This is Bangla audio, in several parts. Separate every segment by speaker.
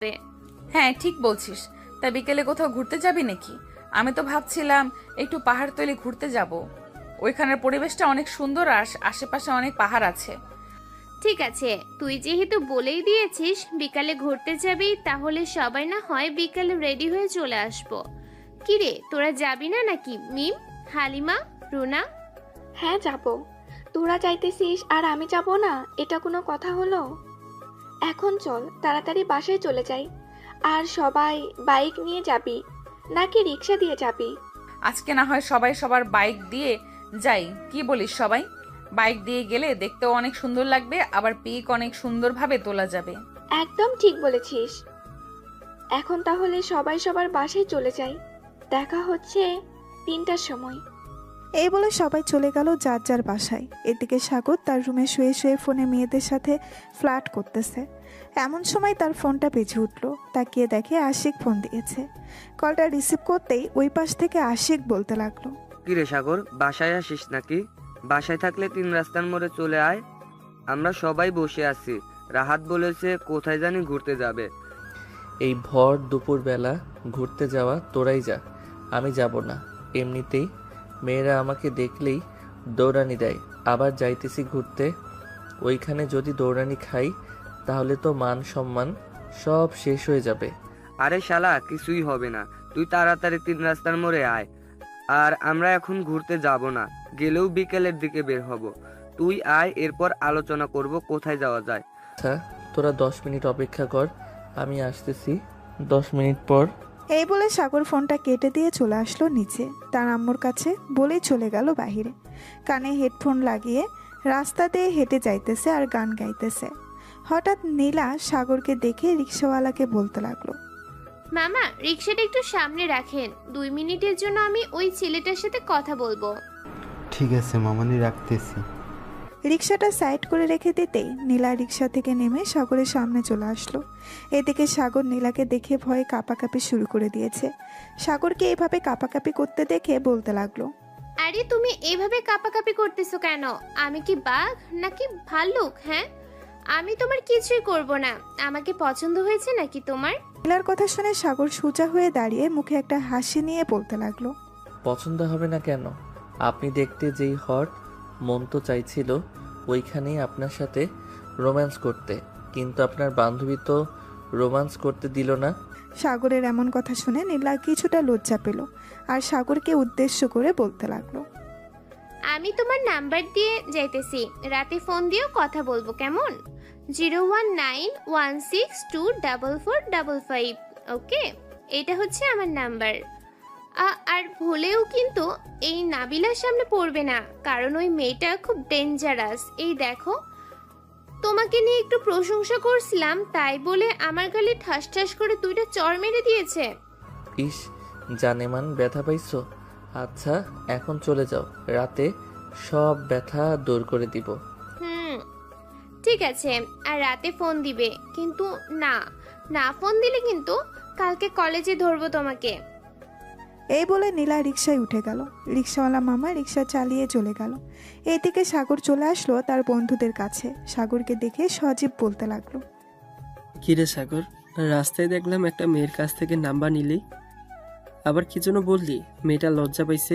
Speaker 1: হ্যাঁ ঠিক বলছিস। তা বিকেলে কোথাও ঘুরতে যাবি নাকি? আমি তো ভাবছিলাম একটু পাহাড়তলি ঘুরতে যাব। ওইখানের পরিবেশটা অনেক সুন্দর আর আশেপাশে অনেক পাহাড় আছে।
Speaker 2: ঠিক আছে, তুই যেহেতু বলেই দিয়েছিস বিকালে ঘুরতে যাবি, তাহলে সবাই না হয় বিকালে রেডি হয়ে চলে আসবো। কিরে, তোরা যাবি না নাকি? মিম, হালিমা, রুনা?
Speaker 3: হ্যাঁ যাব। তোরা যাইতেছিস আর আমি যাব না, এটা কোনো কথা হলো? এখন চল তাড়াতাড়ি বাসায় চলে যাই। আর সবাই বাইক নিয়ে যাবি নাকি রিক্সা দিয়ে যাবি?
Speaker 1: আজকে না হয় সবাই সবার বাইক দিয়ে যাই, কি বলিস? সবাই বাইক দিয়ে গেলে দেখতেও অনেক সুন্দর লাগবে, আবার পিক অনেক সুন্দরভাবে তোলা যাবে।
Speaker 3: একদম ঠিক বলেছিস। এখন তাহলে সবাই সবার বাসায় চলে যাই। দেখা হচ্ছে 3টার সময়।
Speaker 4: এই বলে সবাই চলে গেল যার যার বাসায়। এদিকে সাগর তার রুমে শুয়ে শুয়ে ফোনে মেয়েদের সাথে ফ্লার্ট করতেছে। এমন সময় তার ফোনটা বেজে উঠল। তাকিয়ে দেখে আশিক ফোন দিয়েছে। কলটা রিসিভ করতেই ওই পাশ থেকে আশিক বলতে লাগলো,
Speaker 5: কিরে সাগর, বাসায় আসিস নাকি? বাসায় থাকলে 3 রাস্তার মোড়ে চলে আয়, আমরা সবাই বসে আছি। রাহাত বলেছে কোথায় জানি ঘুরতে যাবে।
Speaker 6: এই ভর দুপুরবেলা ঘুরতে যাওয়া তোরাই যা, আমি যাব না। এমনিতেই মেয়েরা আমাকে দেখলেই দৌড়ানি দেয়। আবার যাইতেছি ঘুরতে, ওইখানে যদি দৌড়ানি খাই তাহলে তো মান সম্মান সব শেষ হয়ে যাবে।
Speaker 5: আরে শালা, কিছুই হবে না, তুই তাড়াতাড়ি 3 রাস্তার মোড়ে আয়। আর আমরা এখন ঘুরতে যাব না, গেলেও বিকেলের দিকে বের হব। তুই আয়, এরপর আলোচনা করব কোথায় যাওয়া যায়।
Speaker 6: আচ্ছা, তোরা 10 মিনিট অপেক্ষা কর, আমি আসতেছি 10 মিনিট পর।
Speaker 4: এই বলে সাগর ফোনটা কেটে দিয়ে চলে আসলো নিচে তার আম্মুর কাছে, বলেই চলে গেল বাহিরে। কানে হেডফোন লাগিয়ে রাস্তা দিয়ে হেঁটে যাইতেছে আর গান গাইতেছে। হঠাৎ নীলা সাগরকে দেখে রিক্সাওয়ালাকে বলতে লাগলো,
Speaker 2: মামা, রিক্সাটা একটু সামনে রাখেন, 2 মিনিটের জন্য আমি ওই ছেলেটার সাথে কথা বলবো।
Speaker 7: ঠিক আছে মামানি, রাখতেছি।
Speaker 4: রিক্সাটা সাইড করে রেখে দিতেই নীলা রিক্সা থেকে নেমে সাগরের সামনে চলে আসলো। এদিকে সাগর নীলাকে দেখে ভয়ে কাঁপাকাঁপি শুরু করে দিয়েছে। সাগরকে এভাবে কাঁপাকাঁপি করতে দেখে বলতে লাগলো,
Speaker 2: আরে তুমি এইভাবে কাঁপাকাঁপি করতেছো কেন? আমি কি বাঘ নাকি ভাল্লুক? হ্যাঁ, আমি তোমার কিছুই করব না। আমাকে পছন্দ হয়েছে নাকি তোমার?
Speaker 4: নীলার কথা শুনে সাগর সোজা হয়ে দাঁড়িয়ে মুখে একটা হাসি নিয়ে বলতে লাগলো,
Speaker 6: পছন্দ হবে না কেন? আপনি দেখতে যেই হট, মন তো চাইছিল ওইখানেই আপনার সাথে রোম্যান্স করতে, কিন্তু আপনার বান্ধবী তো রোম্যান্স করতে দিল না।
Speaker 4: সাগরের এমন কথা শুনে নীলা কিছুটা লজ্জা পেল আর সাগরকে উদ্দেশ্য করে বলতে লাগলো,
Speaker 2: আমি তোমার নাম্বার দিয়ে যাইতেছি, রাতে ফোন দিয়েও কথা বলবো, কেমন? 01916244555। ওকে, এটা হচ্ছে আমার নাম্বার। আর ভুলেও কিন্তু এই নাবিলার সামনে পড়বে না, কারণ ওই মেয়েটা খুব ডেঞ্জারাস। এই দেখো, তোমাকে নিয়ে একটু প্রশংসা করছিলাম, তাই বলে আমার গালে ঠাস ঠাস করে 2টা চড় মেরে দিয়েছে।
Speaker 6: ইস, জানেমান ব্যথা পাইছো? আচ্ছা, এখন চলে যাও, রাতে সব ব্যথা দূর করে দিব।
Speaker 2: হুম, ঠিক আছে। আর রাতে ফোন দিবে কিন্তু? না, না ফোন দিলে কিন্তু কালকে কলেজে ধরবো তোমাকে।
Speaker 4: এই বলে নীলা রিক্সায় উঠে গেল। রিক্সাওয়ালা মামা রিক্সা চালিয়ে চলে গেল। এইদিকে সাগর চলে আসলো তার বন্ধুদের কাছে। সাগরকে দেখে সজীব বলতে লাগলো,
Speaker 8: কিরে সাগর, রাস্তায় দেখলাম একটা মেয়ের কাছ থেকে নাম্বার নিলি, আবার কি জন্য বললি? মেয়েটা লজ্জা পাইছে?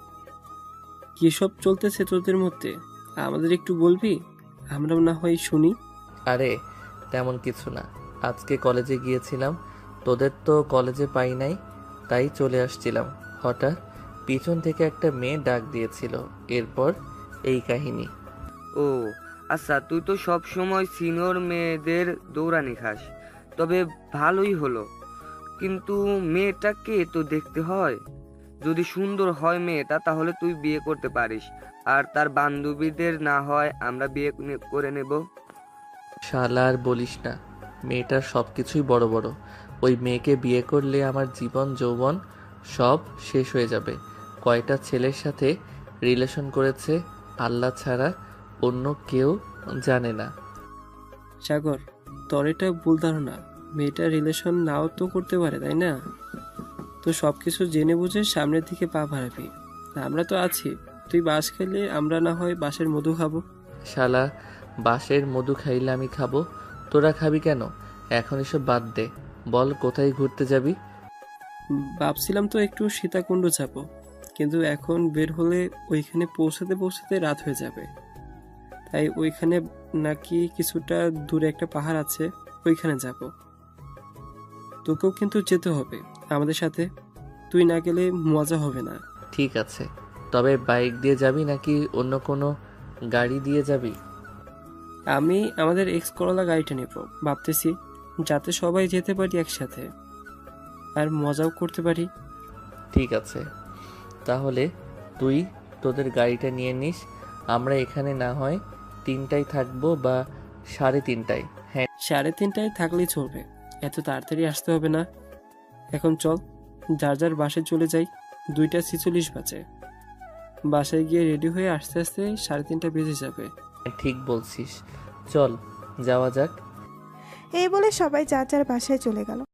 Speaker 8: কি সব চলতেছে তোদের মধ্যে? আমাদের একটু বলবি, আমরাও না হয় শুনি।
Speaker 6: আরে তেমন কিছু না, আজকে কলেজে গিয়েছিলাম, তোদের তো কলেজে পাই নাই, তাই চলে আসছিলাম। হঠাৎ পিছন থেকে একটা মেয়ে ডাক দিয়েছিল, এরপর এই কাহিনী।
Speaker 5: ও আচ্ছা, তুই তো সব সময় সিনিয়র মেয়েদের দৌড়ানি খাস, তবে ভালোই হলো। কিন্তু মেয়েটাকে তো দেখতে হয়, যদি সুন্দর হয় মেয়েটা তাহলে তুই বিয়ে করতে পারিস, আর তার বান্ধবীদের না হয় আমরা বিয়ে করে নেব।
Speaker 6: শালা আর বলিস না, মেয়েটার সব কিছুই বড় বড়। ওই মেয়েকে বিয়ে করলে আমার জীবন যৌবন সব শেষ হয়ে যাবে। কয়টা ছেলের সাথে রিলেশন করেছে আল্লাহ ছাড়া অন্য কেউ জানে না।
Speaker 8: সাগর, তোর এটা ভুল ধারণা। মেয়েটা রিলেশন নাও তো করতে পারে, তাই না? তো সব কিছু জেনে বুঝে সামনের দিকে পা বাড়াবি। আমরা তো আছি, তুই বাঁশ খেলে আমরা না হয় বাঁশের মধু খাবো।
Speaker 6: শালা, বাঁশের মধু খাইলে আমি খাবো, তোরা খাবি কেন? এখন এসব বাদ দে, বল কোথায় ঘুরতে যাবি?
Speaker 8: ভাবছিলাম তো একটু সীতাকুণ্ড যাব, কিন্তু এখন বের হলে ওইখানে পৌঁছাতে পৌঁছাতে রাত হয়ে যাবে। তাই ওইখানে নাকি কিছুটা দূরে একটা পাহাড় আছে, ওইখানে যাব। তোকেও কিন্তু যেতে হবে আমাদের সাথে, তুই না গেলে মজা হবে না।
Speaker 6: ঠিক আছে, তবে বাইক দিয়ে যাবি নাকি অন্য কোনো গাড়ি দিয়ে যাবি?
Speaker 8: আমি আমাদের এক্স করলা গাড়িটা নেব ভাবতেছি, যাতে সবাই যেতে পারি একসাথে আর মজাও করতে পারি।
Speaker 6: ঠিক আছে, তাহলে তুই তোদের গাড়িটা নিয়ে নিস। আমরা এখানে না হয় 3টায় থাকবো বা 3:30টায়। হ্যাঁ
Speaker 8: 3:30টায় থাকলেই চলবে, এত তাড়াতাড়ি আসতে হবে না। এখন চল যার যার বাসায় চলে যাই, 2:46 বাজে। বাসায় গিয়ে রেডি হয়ে আস্তে আস্তে 3:30 বেজে যাবে।
Speaker 6: ঠিক বলছিস, চল যাওয়া যাক।
Speaker 4: এই বলে সবাই যার যার বাসায় চলে গেল।